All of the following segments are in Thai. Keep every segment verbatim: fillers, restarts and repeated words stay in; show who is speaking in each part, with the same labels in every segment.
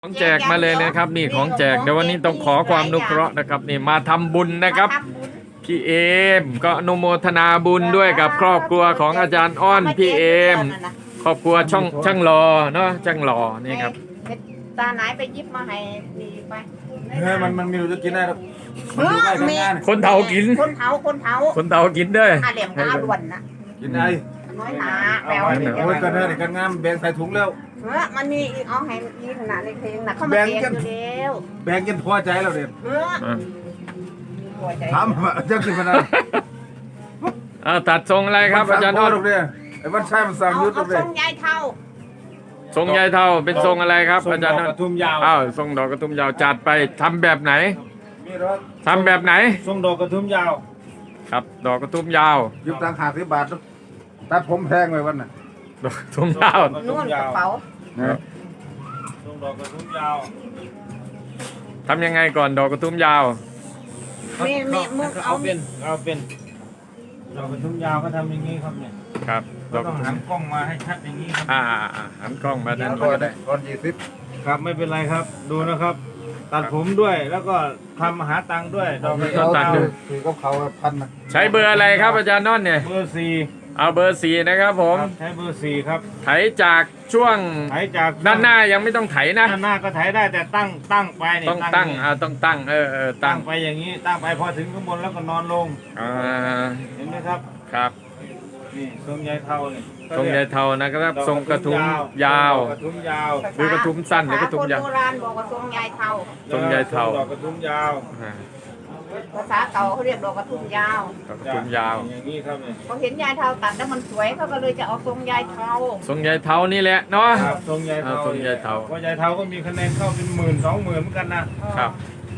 Speaker 1: ของแจกมาเลยนะครับนี่ของแจกเดี๋ยววันนี้ต้องขอความอนุเคราะห์นะครับนี่มาทำบุญนะครับพี่เอมก็อนุโมทนาบุญด้วยกับครอบครัวของอาจารย์อ้อนพี่เอมครอบครัวช่องช่างรอเนาะช่างรอนี่ครับ
Speaker 2: ตาไหนไปยิบมาให้ดีไป
Speaker 3: เฮ้ยมันมันมีรู้จะกินได้หรอก
Speaker 2: เออมี
Speaker 1: คนเฒ่ากิน
Speaker 2: คนเฒ่าคนเฒ่า
Speaker 1: คนเฒ่ากินด้วย
Speaker 2: อาเหลี่ยมกาล้วนนะ
Speaker 3: กินได้
Speaker 2: น้อยหนาแปล
Speaker 3: โอ้ยกันเด้อกันงามแบ่งใส่ถุงแล้ว
Speaker 2: เออมันมีอีกเอาให้มีขนาดเล็กๆนะเข้ามาเก็บอยู่แล้ว
Speaker 3: แบ่งกันพอใจแล้วเด็ด
Speaker 2: เออ
Speaker 3: ทำจะกินขนาด
Speaker 1: อ่าตัดทรงอะไรครับอาจารย์อ้อน
Speaker 3: ไอ้วันชายมันสั่งยุด
Speaker 2: เอา
Speaker 3: เลย
Speaker 2: ทรงยายเท่า
Speaker 1: ทรงยายเท่าเป็นทรงอะไรครับอาจารย์อ้อน
Speaker 3: กระทุ่มยาว
Speaker 1: อ้าวทรงดอกกระทุ่มยาวจัดไปทำแบบไหนทำแบบไหน
Speaker 3: ทรงดอกกระทุ่มยาว
Speaker 1: ครับดอกกระทุ่มยาว
Speaker 3: ยุบตังหาสิบบาทตัดผมแพงไว้วันน่ะ
Speaker 1: ดอกกระทุ่มยาว
Speaker 2: นู่นกระเป๋า
Speaker 3: ทรงดอกกระทุ่มยาว
Speaker 1: ทำยังไงก่อนดอกกระทุ่มยาว
Speaker 2: มีมีมึงเอา
Speaker 3: เอาเป็นเอาเป็นดอกกระทุ่มยาวก็ทำอย่างนี้ครับเนี่ย
Speaker 1: ครับดอกก
Speaker 3: ต้
Speaker 1: ระ
Speaker 3: อง
Speaker 1: ทุ่
Speaker 3: หั
Speaker 1: ม
Speaker 3: นกล้องมาให้ชัดอย่างนี้ครับ
Speaker 1: อ่าหันกล้องมาด้านบ
Speaker 3: ก็
Speaker 1: น
Speaker 3: ได้ก้อนยี่สิบครับไม่เป็นไรครับดูนะครับ ตัดผมด้วยแล้วก็ทำหาตังค์ด้วยดอกกระทุ่มยาวคือก็เขาพันนะ
Speaker 1: ใช้เบอร์อะไรครับอาจารย์นนท์เนี่ย
Speaker 3: เบอร์สี่
Speaker 1: เอาเบอร์สี่นะครับผม
Speaker 3: ใช้เบอร์สี่ครับ
Speaker 1: ไถจากช่วง
Speaker 3: ไถจาก
Speaker 1: ด้านหน้ายังไม่ต้องไถนะ
Speaker 3: ด้านหน้าก็ไถได้แต่ตั้งตั้งไปนี่
Speaker 1: ต้องตั้งอ่าต้องตั้งเออเออตั้
Speaker 3: ตั้
Speaker 1: ง
Speaker 3: งไปอย่างนี้ตั้งไปพอถึงข้างบนแล้วก็นอนลง
Speaker 1: อ่า
Speaker 3: เห็นไหมครับ
Speaker 1: ครับ
Speaker 3: นี่ทรงยายเท่านี่
Speaker 1: ทรงยายเทานะครับทรงกระทุ้มยาว
Speaker 3: กระทุ้มยาว
Speaker 1: หรือกระทุ้มสั้นหรือกระทุ้มยาว
Speaker 2: ภษคนโบราณบอกว่าทรงยายเท่า
Speaker 1: ทรงยายเทา
Speaker 3: ดอกกระทุ้มยาว
Speaker 2: ภาษาเก่าเขาเรียกดอกกระทุ่มยาว
Speaker 1: กระทุ้มยาว
Speaker 3: อย่างนี้ครับเนี่ย
Speaker 2: เขาเห็นยายเท่าตัดแล้วมันสวยเขาก็เลยจะเอาทรงยายเท่า
Speaker 1: ทรงยายเทานี่แหละเนาะ
Speaker 3: ครับทรงยายเท่า
Speaker 1: ทรงยายเทา
Speaker 3: เพราะยายเท่าก็มีคะแนนเข้าเป็นหมื่นสองหมื่นเหมือนกันนะครับ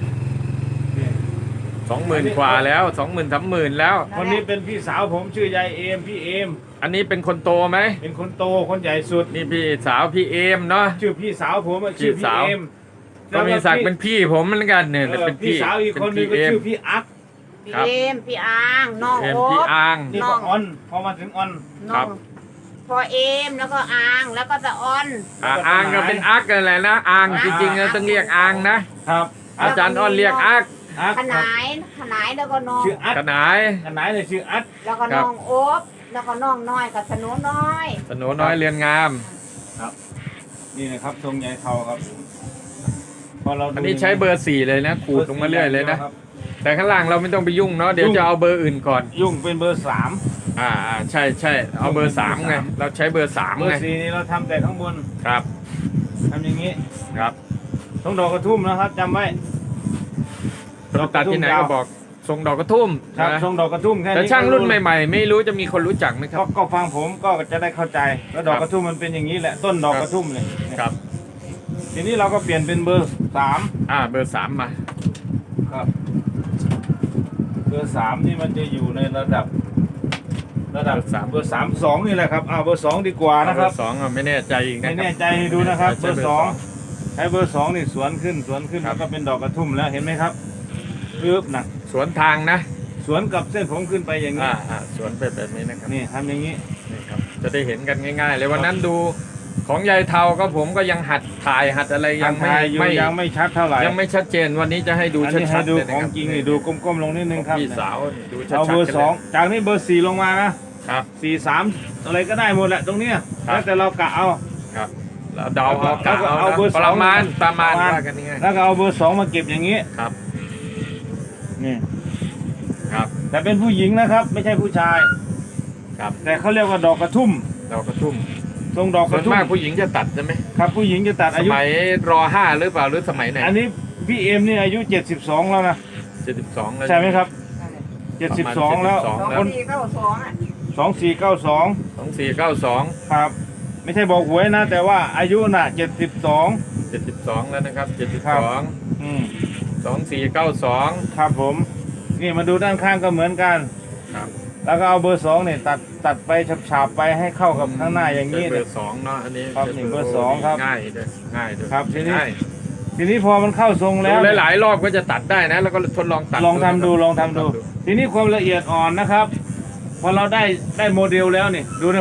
Speaker 1: สองหมื่นกว่าแล้วสองหมื่นสามหมื่นแล้ว
Speaker 3: คนนี้เป็นพี่สาวผมชื่อยายเอมพี่เอม
Speaker 1: อันนี้เป็นคนโตไหม
Speaker 3: เป็นคนโตคนใหญ่สุด
Speaker 1: นี่พี่สาวพี่เอมเนาะ
Speaker 3: ชื่อพี่สาวผมชื่อพี่เอม
Speaker 1: ก็มีศักดิ์เป็นพี่ผมเหมือนกันเนี่ยเป็น
Speaker 3: พี่สาวอีกคนนึงก็ชื่อพี่อัก
Speaker 2: พี่เอมพี่อางน้องโอ๊ต
Speaker 1: พี่อาง
Speaker 3: นี่ก็ออนพอมาถึงออน
Speaker 2: น้องพอเอมแล้วก็อางแล้วก็ตะออน
Speaker 1: อางก็เป็นอักกันแหละนะอางจริงๆเราต้องเรียกอางนะครับอาจารย์อ้อนเรียกอัก
Speaker 2: ขนายขนายแล้วก็น้อง
Speaker 3: ชื่ออัด
Speaker 1: ขนาย
Speaker 3: ขนายเลยชื่ออัด
Speaker 2: แล้วก็น้องโอ๊บแล้วก็น้องน้อยกับสนุน้อย
Speaker 1: สนุน้อยเรียนงาม
Speaker 3: ครับนี่นะครับทรงใหญ่เทาครับพอเรา
Speaker 1: อันนี้ใช้เบอร์สี่เลยนะขูดลงมาเรื่อยเลยนะแต่ข้างล่างเราไม่ต้องไปยุ่งเนาะเดี๋ยวจะเอาเบอร์อื่นก่อน
Speaker 3: ยุ่งเป็นเบอร์สาม
Speaker 1: อ่าใช่ใช่เอาเบอร์สามไงเราใช้เบอร์สามไง
Speaker 3: เบอร์สี่นี่เราทำแต่ข้างบน
Speaker 1: ครับ
Speaker 3: ทำอย่างนี้
Speaker 1: ครับ
Speaker 3: ทรงดอกกระทุ่มนะครับจำไว้
Speaker 1: เราตัดที่ไหนก็บอกทรงดอกกระทุ่ม
Speaker 3: ครับทรงดอกกระทุ่มแค่นี้
Speaker 1: แต่ช่างรุ่นใหม่ๆไม่รู้จะมีคนรู้จักไหมครับ
Speaker 3: ก็ฟังผมก็จะได้เข้าใจแล้วดอกกระทุ่มมันเป็นอย่างนี้แหละต้นดอกกระทุ่มเลย
Speaker 1: ครับ
Speaker 3: ทีนี้เราก็เปลี่ยนเป็นเบอร์สาม
Speaker 1: อ่าเบอร์สามมา
Speaker 3: ครับเบอร์สามนี่มันจะอยู่ในระดับระดับ
Speaker 1: สาม
Speaker 3: เบอร์สามสองนี่แหละครับอ่าเบอร์สองดีกว่านะครับ
Speaker 1: เบอร์สองไม่แน่ใจอีกนะ
Speaker 3: ไม่แน่ใจให้ดูนะครับเบอร์สองใช้เบอร์สองนี่สวนขึ้นสวนขึ้นแล้วก็เป็นดอกกระทุ่มแล้วเห็นไหมครับปึ๊บนะ
Speaker 1: สวนทางนะ
Speaker 3: สวนกับเส้นผมขึ้นไปอย่างนี้
Speaker 1: อ่าอ่าสวนไปแบบนี้นะครับ
Speaker 3: นี่ทำอย่างนี้
Speaker 1: นี่ครับจะได้เห็นกันง่ายๆเลยวันนั้นดูของยายเทาก็ผมก็ยังหัดถ่ายหัดอะไรยังไม่
Speaker 3: ไม่ยังไม่ชัดเท่าไหร่
Speaker 1: ยังไม่ชัดเจนวันนี้จะให้ดูชัดๆเลย
Speaker 3: นะครับของจริงนี่ดูก้มๆลงนิดนึงครับ
Speaker 1: พี่สาวดูชัดๆ
Speaker 3: เอาเบอร์สองจากนี้เบอร์สี่ลงมานะครับสี่สามอะไรก็ได้หมดแหละตรงเนี้ยแล้วแต่เรากะเอา
Speaker 1: ครับเราเดาเอากะเอาประมาณประมาณว่ากันง่าย
Speaker 3: แล้วก็เอาเบอร์สองมาเก็บอย่างนี้
Speaker 1: ครับ
Speaker 3: นี่
Speaker 1: ครับ
Speaker 3: แต่เป็นผู้หญิงนะครับไม่ใช่ผู้ชาย
Speaker 1: ครับ
Speaker 3: แต่เขาเรียกว่าดอกกระทุ่ม
Speaker 1: ดอกกระทุ่ม
Speaker 3: ทรงดอกกระทุ่ม
Speaker 1: มากผู้หญิงจะตัดใช่ไหม
Speaker 3: ครับผู้หญิงจะตัดอายุ
Speaker 1: สมัยรอห้าหรือเปล่าหรือสมัยไหน
Speaker 3: อันนี้พี่เอ็มนี่อายุเจ็ดสิบสองแล้วนะ
Speaker 1: เจ็ดสิบสองแล้ว
Speaker 3: ใช่ไหมครับเจ็ดสิบสองแล้ว
Speaker 2: คนสี่เก้าสองอ่ะ
Speaker 3: สองสี่เก้าสอง
Speaker 1: สองสี่เก้าสอง
Speaker 3: ครับไม่ใช่บอกหวยนะแต่ว่าอายุน่ะเจ็ดสิบสอง
Speaker 1: เจ็ดสิบสองแล้วนะครับเจ็ดสิบสอง
Speaker 3: อืม
Speaker 1: สองสี่เก้าสอง
Speaker 3: ครับผมนี่มาดูด้านข้างก็เหมือนกัน
Speaker 1: ครับ
Speaker 3: แล้วก็เอาเบอร์สองเนี่ยตัดตัดไปฉาบๆไปให้เข้ากับข้างหน้าอย่างนี้
Speaker 1: เบอร์สองเนาะอันนี้
Speaker 3: ครับนี่เบอร์สองครับ
Speaker 1: ง่ายด้วยง่ายด้วย
Speaker 3: ครับทีนี้ทีนี้พอมันเข้าทรงแล้ว
Speaker 1: หลายๆรอบก็จะตัดได้นะแล้วก็ทดลองตัด
Speaker 3: ลองทำดูลองทำดูทีนี้ความละเอียดอ่อนนะครับพอเราได้ได้โมเดลแล้วนี่ดูนะครับ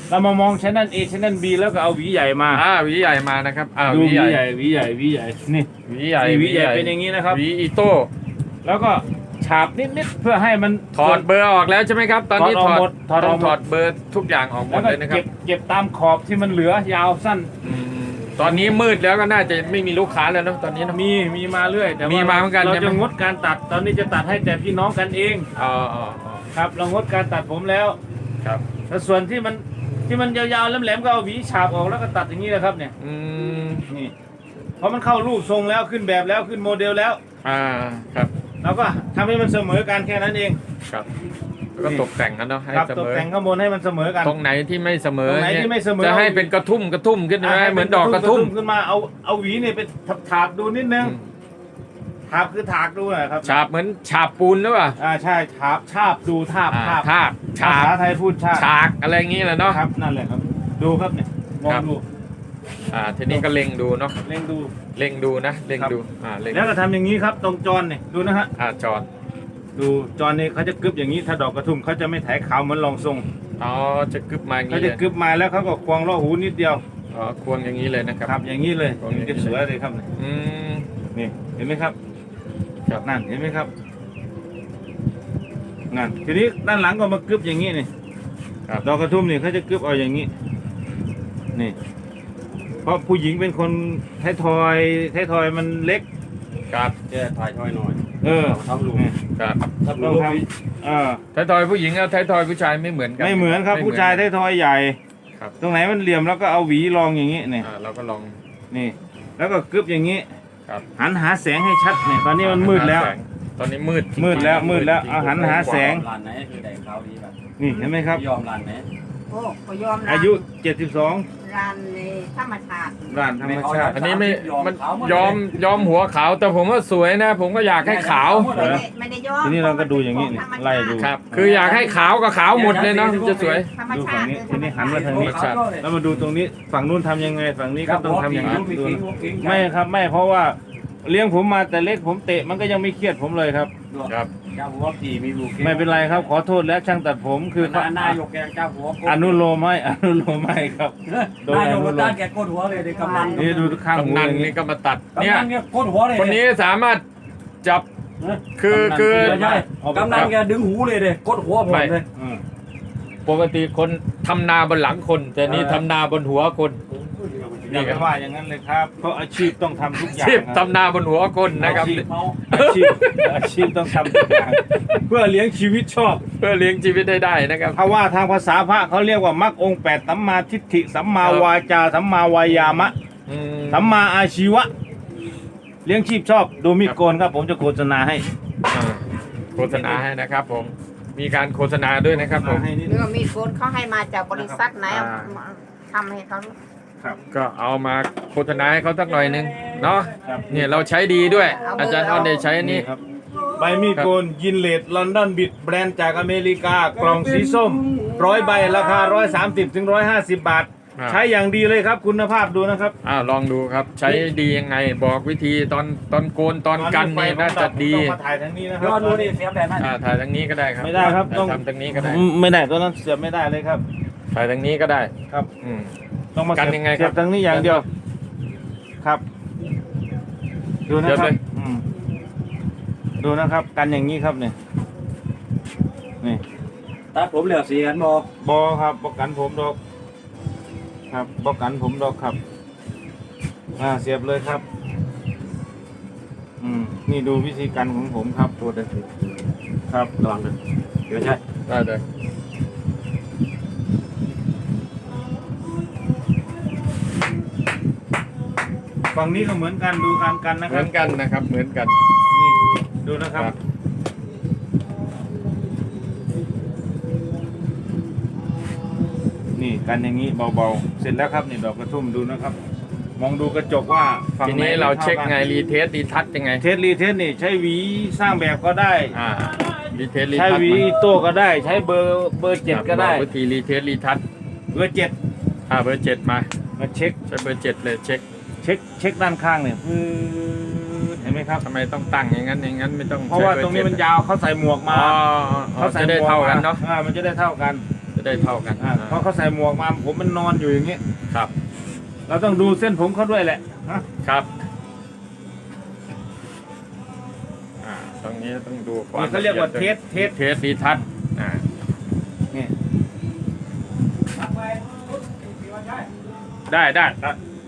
Speaker 3: เรามามองชั้นนั้น A ชั้นนั้น B แล้วก็เอาหวีใหญ่มา
Speaker 1: อ่าหวีใหญ่มานะครับอ่า
Speaker 3: ดู
Speaker 1: ห
Speaker 3: ห
Speaker 1: วี
Speaker 3: วี
Speaker 1: ใหญ่
Speaker 3: ใหญ่หวีใหญ่หวีใหญ่นี่
Speaker 1: หวีใหญ่
Speaker 3: นี่หวีใหญ่เป็นอย่างนี้นะครับ
Speaker 1: หวีอีโต้
Speaker 3: แล้วก็ฉาบนิดๆเพื่อให้มัน
Speaker 1: ถอดเบอร์ออกแล้วใช่ไหมครับ ตอนนี้
Speaker 3: ถอดออกหมดถอดอ
Speaker 1: ต้
Speaker 3: อ
Speaker 1: อก ง
Speaker 3: หมด
Speaker 1: ถอดเบอร์ทุกอย่างออกหม
Speaker 3: แล้
Speaker 1: ด
Speaker 3: วก็
Speaker 1: เลยนะครับ
Speaker 3: เก็บเก็บตามขอบที่มันเหลือยาวสั้น
Speaker 1: อืมตอนนี้มืดแล้วก็น่าจะไม่มีลูกค้าแล้วเนอะตอนนี้เนอะ
Speaker 3: มีมีมาเรื่อยแต่ว่
Speaker 1: มีมาเหมือนกัน
Speaker 3: เรา
Speaker 1: ใช่ไหม
Speaker 3: จะงดการตัดตอนนี้จะตัดให้แต่พี่น้องกันเอง
Speaker 1: อ๋ออ๋ออ๋อ
Speaker 3: ครับเรางดการตัดผมแล้ว
Speaker 1: ครับ
Speaker 3: แต่ส่วนที่มันที่มันยาวๆแหลมๆก็เอาหวีฉาบออกแล้วก็ตัดอย่างนี้เลยครับเนี่ย
Speaker 1: อืม
Speaker 3: นี่เพราะมันเข้ารูปทรงแล้วขึ้นแบบแล้วขึ้นโมเดลแล้ว
Speaker 1: อ่าครับ
Speaker 3: เราก็ทำให้มันเสมอกันแค่นั้นเอง
Speaker 1: ครับแล้วก็ตกแต่งกันเนาะให้
Speaker 3: ครับ
Speaker 1: เส
Speaker 3: ต
Speaker 1: ม
Speaker 3: ก
Speaker 1: อ
Speaker 3: แต่งข้างบนให้มันเสมอกัน
Speaker 1: ตรงไหนที่ไม่เสมอ
Speaker 3: ตรงไหน
Speaker 1: เนี่ย
Speaker 3: ที่ไม่เสมอ
Speaker 1: จะให้เป็นกระทุ่มกระทุ่มขึ้นไหม
Speaker 3: ให้
Speaker 1: เหมือนดอกกระทุ่ม
Speaker 3: ขึ้นมาเอาเอาหวีเนี่ยไปถากๆดูนิดนึง
Speaker 1: อืม
Speaker 3: ถากคือถากดูนะครับ
Speaker 1: ฉาบเหมือนฉาบปูนหรือเปล่า
Speaker 3: อ่าใช่ฉาบฉาบดูทาบ
Speaker 1: อ่า
Speaker 3: ทาบ
Speaker 1: ทาบฉา
Speaker 3: ภา
Speaker 1: บ
Speaker 3: ษาไทยพูดฉาบ
Speaker 1: ฉากอะไรอย่างงี้แหละเนาะ
Speaker 3: ครับนั่นแหละครับ ดูครับเนี่ยมอง
Speaker 1: ครับ
Speaker 3: ดู
Speaker 1: อ่าทีนี้ก็เล็งดูเนาะ
Speaker 3: เล็งดู
Speaker 1: เล็งดูนะเล็ง
Speaker 3: ครับ
Speaker 1: ดูอ่าเล็ง
Speaker 3: แล้วก็ทำอย่างนี้ครับตรงจรเนี่ยดูนะฮะ
Speaker 1: อ่าจอด
Speaker 3: ดูจรเนี่ยเขาจะกึบอย่างนี้ถ้าดอกกระทุ่มเขาจะไม่ถ่ายขาวเหมือนรองทรง
Speaker 1: อ๋อจะกึบมาอย่าง
Speaker 3: เขา
Speaker 1: นี้เล
Speaker 3: จะ
Speaker 1: ย
Speaker 3: กึบมาแล้วเขาก็ควงล่อหูนิดเดียว
Speaker 1: อ๋อควงอย่างนี้เลยนะครับ
Speaker 3: ครับอย่างนี้เลย
Speaker 1: ควงอย่างนี้
Speaker 3: จะสวยเลยครับ
Speaker 1: อืม
Speaker 3: นี่เห็นไหมครับ
Speaker 1: ครับ
Speaker 3: นั่นเห็นไหมครับนั่นทีนี้ด้านหลังก็มากึบอย่างนี้นี่
Speaker 1: ครับ
Speaker 3: ดอกกระทุ่มนี่เขาจะกึบเอาอย่างนี้นี่เพราะผู้หญิงเป็นคนไทยทอยไทยทอยมันเล็ก
Speaker 1: ครับ
Speaker 4: แกถ่ายทอยหน่อย
Speaker 3: เออ
Speaker 4: ทำรูป
Speaker 1: ครับ
Speaker 4: ทำ
Speaker 3: ต้
Speaker 4: รู
Speaker 3: อง
Speaker 4: ป
Speaker 3: ทำเออ
Speaker 1: ไทยทอยผู้หญิงกับไทยทอยผู้ชายไม่เหมือนกัน
Speaker 3: ไม่เหมือนครับ
Speaker 1: ไ
Speaker 3: ผู้ชายไทยทอยใหญ่
Speaker 1: ครับ
Speaker 3: ตรงไหนมันเหลี่ยมแล้วก็เอาหวีรองอย่างนี้นี่
Speaker 1: อ่าเราก็ลอง
Speaker 3: นี่ แล้วก็กึบอย่างนี้
Speaker 1: ครับ
Speaker 3: หันหาแสงให้ชัดเนี่ยตอนนี้มันมืดแล้ว
Speaker 1: หาสงตอนนี้มืดจริงๆ
Speaker 3: มืดแล้วมืดแล้ว
Speaker 1: จริงๆ
Speaker 3: เอาหันหาแสง
Speaker 4: ร้านไหนคือได้ขาวดีแบบ
Speaker 3: นี่เห็นไหมครับ
Speaker 4: ยอมร้านไหน
Speaker 2: โอ้ก็ยอมรับ
Speaker 3: อายุเจ็ดสิบสอง
Speaker 2: รันในธรรมชาติ
Speaker 3: ร้านธรรมชาติ
Speaker 1: อันนี้ไม่มันยอมยอมหัวขาวแต่ผมว่าสวยนะ ผมก็อยากให้ขาว
Speaker 2: ไม่ได้ไม่ได้ยอม
Speaker 3: ทีนี้เราก็ดูอย่างนี้นี่ไล่ดู
Speaker 1: ครับ คืออยากให้ขาวก็ขาวหมดเลยเนาะจะสวย
Speaker 2: ธรรม
Speaker 3: ดู
Speaker 2: ชา
Speaker 3: ฝั่ง
Speaker 2: ติ
Speaker 3: นี้ทีนี้หันมาทางนี้
Speaker 1: ธรรมชาติ
Speaker 3: แล้วมาดูตรงนี้ฝั่งนู้นทำยังไงฝั่งนี้ก็ต้องทำอย่างนั้นดูนะไม่
Speaker 4: ไม่
Speaker 3: ครับไม่เพราะว่าเลี้ยงผมมาแต่เล็กผมเตะมันก็ยังไม่เครียดผมเลยครับ
Speaker 1: ครับ
Speaker 4: เจ้าหัวปีมีลูก
Speaker 3: ไม่เป็นไรครับขอโทษแล้วช่างตัดผมคือ
Speaker 4: หน้านายกแกเจ้าหัว
Speaker 3: อนุโลมให้อนุโลมให้ครับโดย
Speaker 4: นาย
Speaker 3: อก นุโล
Speaker 4: ด้าม นแกโคตรหัวเลยในกำนัน
Speaker 3: นี่ดูข้างหู
Speaker 1: กำนัน
Speaker 3: อย่าง
Speaker 1: นี่
Speaker 3: นี้
Speaker 1: ก็มาตัด
Speaker 4: เนี่
Speaker 1: เนี่ย ย
Speaker 4: โคตรหัวเลย
Speaker 1: คนนี้สามารถจับคือคือ
Speaker 4: ใช่กำนันแกดึงหูเลยเลยโคตรหัวผมเลย
Speaker 3: อืม
Speaker 1: ปกติคนทำนาบนหลังคน แต่นี่ทำนาบนหัวคน
Speaker 3: อย่าไปว่าอย่างนั้นเลยครับเพราะอาชีพต้องทำทุกอย่าง
Speaker 1: ชีพ
Speaker 3: ครับ
Speaker 1: ทำนาบนหัวคนนะครับ
Speaker 4: เมา
Speaker 3: อาชีพอาชีพต้องทำทุกอย่างเพื่อเลี้ยงชีวิตชอบ
Speaker 1: เพื่อเลี้ยงชีวิตได้ได้นะครับ
Speaker 3: ถ้าว่าทางภาษาพระเขาเรียกว่ามรรคองค์แปดสัมมาทิฏฐิสัมมาวาจาสัมมาวายามะ
Speaker 1: อืม
Speaker 3: สัมมาอาชีวะ เลี้ยงชีพชอบดูมีดโกนครับ ผมจะโฆษณาให้
Speaker 1: อ่าโฆษณาให้นะครับผมมีการโฆษณาด้วยนะครับผม
Speaker 3: ให้นิดนึ
Speaker 2: เนื้
Speaker 3: ง
Speaker 2: อมีดโกนเขาให้มาจากบริษัทไหนเอา
Speaker 1: อ่า
Speaker 2: มาทำให้เขา
Speaker 3: ครับ
Speaker 1: ก็เอามาโฆษณาให้เขาสักหน่อยหนึงเนาะ
Speaker 3: ครับ
Speaker 1: เนี่ยเราใช้ดีด้วย อาจารย์อ้อนได้ใช้อันนี้
Speaker 3: ครับใบมีดโกนยินเลดลอนดอนบิดแบรนด์จากอเมริกากล่องสีส้มร้อยใบราคาร้อยสามสิบถึงร้อยห้าสิบบาท
Speaker 1: อ่า
Speaker 3: ใช้อย่างดีเลยครับ คุณภาพดูนะครับ
Speaker 1: อ้าวลองดูครับ ใช้ดียังไงบอกวิธีตอนตอนโกนตอนกันนี่น่าจะดี
Speaker 3: ต้องมาถ่ายทางนี้นะครั
Speaker 4: ยอดดูนี่เสียแบบนั้น
Speaker 1: อ่าถ่ายทางนี้ก็ได้ครับ
Speaker 3: ไม่ได้ครับต้อง
Speaker 1: ทำทางนี้ก็ได้
Speaker 3: ไม่ได้ตัวนั้นเสียบไม่ได้เลยครับ
Speaker 1: ถ่ายทางนี้ก็ได้
Speaker 3: ครับ
Speaker 1: อืม
Speaker 3: ต้องมา
Speaker 1: กัน
Speaker 3: เสียบ
Speaker 1: ยังไงครับ
Speaker 3: เสียบทางนี้อย่างเดียว ครับ ดูนะ
Speaker 1: เสียบ
Speaker 3: ครั
Speaker 1: เล
Speaker 3: บ
Speaker 1: ย
Speaker 3: อืมดูนะครับ กันอย่างนี้ครับเนี่ยนี่
Speaker 4: ตัดผมเหลือสีกันบอบ
Speaker 3: อครับบอกกันผมดอก ครับบอกกันผมดอกครับ อ่าเสียบเลยครับ อืมนี่ดูวิธีกันของผมครับตัวเด็กครับ
Speaker 4: ระวังเลยเดี๋ยวใช่
Speaker 1: ได้เลย
Speaker 3: ฝั่งนี้ก็เหมือนกันดูการกันนะ
Speaker 1: เห
Speaker 3: ค
Speaker 1: มื
Speaker 3: รั
Speaker 1: อบ นกันนะครับเหมือนกัน
Speaker 3: นี่ดูนะครับ
Speaker 1: ครับ
Speaker 3: นี่กันอย่างนี้เบาๆ เสร็จแล้วครับนี่ดอกกระทุ่มดูนะครับ มองดูกระจกว่าฝั่ง
Speaker 1: ที
Speaker 3: ไหน
Speaker 1: นี้เราเช็คไง
Speaker 3: ท่า
Speaker 1: รีเทสรีทัชยังไง
Speaker 3: กันเทสรีเทสนี่ใช้หวีสร้างแบบก็ได้
Speaker 1: อ่ารีเทสรี
Speaker 3: ใช้
Speaker 1: ทัช
Speaker 3: หวีโต้ก็ได้ ใช้เบอร์เบอร์เจ็ดก็ได้
Speaker 1: วิธีรีเทสรีทัช
Speaker 3: เบอร์เจ็ด
Speaker 1: อ่าเบอร์เจ็ดมา
Speaker 3: มาเช็ค
Speaker 1: ใช้เบอร์เจ็ดเลยเช็ค
Speaker 3: เช็คเช็คด้านข้างเนี่ยปื๊ดเห็นไหมครับ
Speaker 1: ทำไมต้องตั้งอย่างนั้นอย่างนั้นไม่ต้อง
Speaker 3: เพราะว่า
Speaker 1: ใช้บอ
Speaker 3: ตรงนี้มัน
Speaker 1: เจ็ด
Speaker 3: ยาวเขาใส่หมวก
Speaker 1: อ๋
Speaker 3: มา
Speaker 1: ออ๋อ
Speaker 3: เขาใส่
Speaker 1: จะได้
Speaker 3: หมวก
Speaker 1: เท่ากันเนาะ
Speaker 3: อ่ามันจะได้เท่ากัน
Speaker 1: จจะได้เท่ากัน
Speaker 3: อ่าเพราะเขาใส่หมวกมาผมมันนอนอยู่อย่างนี้
Speaker 1: ครับ
Speaker 3: เราต้องดูเส้นผมเขาด้วยแหละฮะ
Speaker 1: ครับอ่าตรงนี้ต้องดูความ
Speaker 3: นี่เขาเรียกว่าเทสเทส
Speaker 1: เทสดีทัศน์อ่า
Speaker 3: นี่
Speaker 1: ได้ได้ได้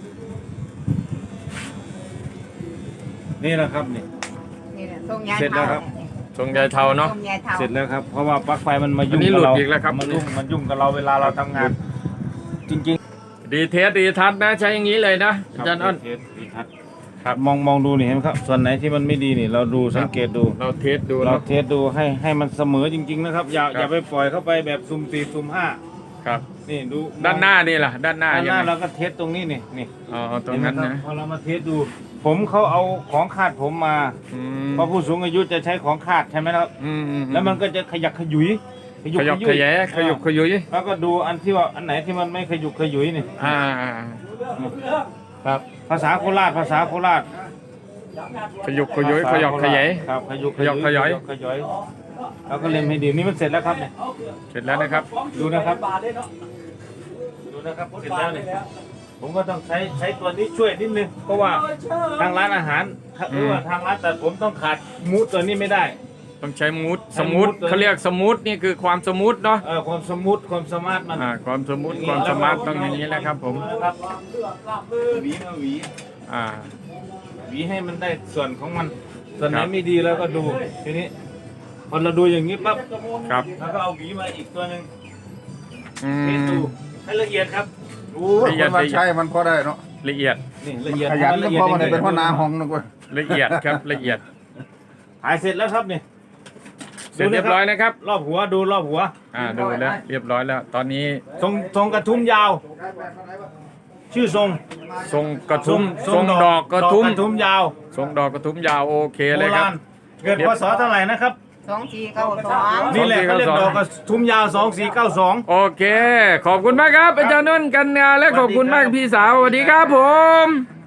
Speaker 3: นี่แหละครับนี่
Speaker 2: นี่แหละทรงยาย
Speaker 3: เสร็จแล้วครับ
Speaker 1: ทรงใหญ่เท่าเนาะ
Speaker 2: ทรงยายเท่า
Speaker 3: เสร็จแล้วครับเพราะว่าปลั๊กไฟมันมายุ่
Speaker 1: อั
Speaker 3: ง
Speaker 1: นนี้
Speaker 3: กับเรา
Speaker 1: หลุดอีกแล้วครับ
Speaker 3: มันยุ่งมันยุ่งกับเราเวลาเราทำงาน จริง
Speaker 1: ดีเทสดีทัศน์นะใช้อย่างนี้เลยนะ
Speaker 3: ๆ
Speaker 1: อาจารย์อ้น
Speaker 3: เทสดีทัศน์
Speaker 1: ครับ
Speaker 3: มองมองดูนี่เห็นไหมครับ ส่วนไหนที่มันไม่ดีนี่ เราดูสังเกตดู
Speaker 1: เราเทสดู
Speaker 3: เรา
Speaker 1: เนาะ
Speaker 3: เทสดูให้ให้มันเสมอจริง ๆ นะครับ อย่า
Speaker 1: ครับ
Speaker 3: อย่าไปปล่อยเข้าไปแบบซุ่มสี่ซุ่มห้า
Speaker 1: ครับ
Speaker 3: นี่ดู
Speaker 1: ด้านหน้านี่ล่ะ ด้านหน้า
Speaker 3: ด้านห
Speaker 1: ยัง
Speaker 3: น้า
Speaker 1: ไง
Speaker 3: เราก็เทสตรงนี้นี่นี่
Speaker 1: อ๋อตรงนั้น
Speaker 3: เห็ไหม
Speaker 1: นะ
Speaker 3: คบพอเรามาเทสดู ผมเขาเอาของคาดผมมา
Speaker 1: อืม
Speaker 3: เพราะผู้สูงอายุจะใช้ของคาดใช่ไหมครับ
Speaker 1: อืมอืม
Speaker 3: แล้วมันก็จะขยักขยุย
Speaker 1: ขยับขยายขยุบขยุย
Speaker 3: แล้วก็ดูอันที่ว่าอันไหนที่มันไม่ขยุกขยุยนี่
Speaker 1: อ่า
Speaker 3: ครับ ภาษาโคราชภาษาโคราช
Speaker 1: ขยุบขยุยขยับขยาย
Speaker 3: ครับขยุก
Speaker 1: ขยับขยาย
Speaker 3: ขยายแล้วก็เล็มให้ดีนี่มันเสร็จแล้วครับเนี่ย
Speaker 1: เสร็จแล้วนะครับ
Speaker 3: ดูนะครับดูนะครับเสร็จแล้วเนี่ยผมก็ต้องใช้ใช้ตัวนี้ช่วยนิดนึงเพราะว่าทางร้านอาหารหรือว่าทางร้านตัดผมต้องขาดมูดตัวนี้ไม่ได้
Speaker 1: ต้องใช้มูด
Speaker 3: ใช้
Speaker 1: สมูท
Speaker 3: มูดตัวนี้
Speaker 1: เขาเรียกสมูทนี่คือความสมูทเนาะ
Speaker 3: เออความสมูทความสมาร์ทมัน
Speaker 1: อ่าความสมูทความสมาร์ทต้องอย่างนี้แหละครับผม
Speaker 3: นะครับหวีมาหวี
Speaker 1: อ่า
Speaker 3: หวีให้มันได้ส่วนของมัน ส่วนไหน
Speaker 1: ครับ
Speaker 3: ไม่ดีแล้วก็ดูทีนี้พอเราดูอย่างนี้ปั๊บ
Speaker 1: ครับ
Speaker 3: แล้วก็เอาหวีมาอีกตัวหนึ่ง
Speaker 1: อื
Speaker 3: เทสดู
Speaker 1: ม
Speaker 3: ให้ละเอียดครับ
Speaker 5: โอ้ยคนมันใช่มันพอได้เนาะ
Speaker 1: ละเอียด
Speaker 3: นี่ละเอียด
Speaker 5: ขยัน
Speaker 3: ละ
Speaker 5: ก็
Speaker 3: เอียด
Speaker 5: เพราะมัน
Speaker 3: จริงๆ
Speaker 5: เป็นหัวหน้าห้องนึกว่า
Speaker 1: ละเอียดครับละเอียด
Speaker 3: ถ่ายเสร็จแล้วครับนี่
Speaker 1: เสร็จเรียบร้อยนะครับ
Speaker 3: รอบหัวดูรอบหัว
Speaker 1: อ่าดูแล้วเรียบร้อยแล้ว ตอนนี้
Speaker 3: ทรงทรงกระทุ้มยาว ชื่อทรง
Speaker 1: ทรงกระทุ้มทรงดอกกระทุ้ม
Speaker 3: ดอกกระทุ้มยาว
Speaker 1: ทรงดอกกระทุ้มยาวโอเค
Speaker 3: โบ
Speaker 1: เลยครั
Speaker 3: รา
Speaker 1: บ
Speaker 3: ณเกิดพศเท่าไหร่นะครับ
Speaker 2: สองสี่เก้าสอง
Speaker 3: นี่แหละเขาเรียกดอกกระทุ้มยาวสองสี่เก้าสอง
Speaker 1: โอเค ขอบคุณมากครับอาจารย์นุ่นกันงานและขอบคุณมากพี่สาวสวัสดีครับผม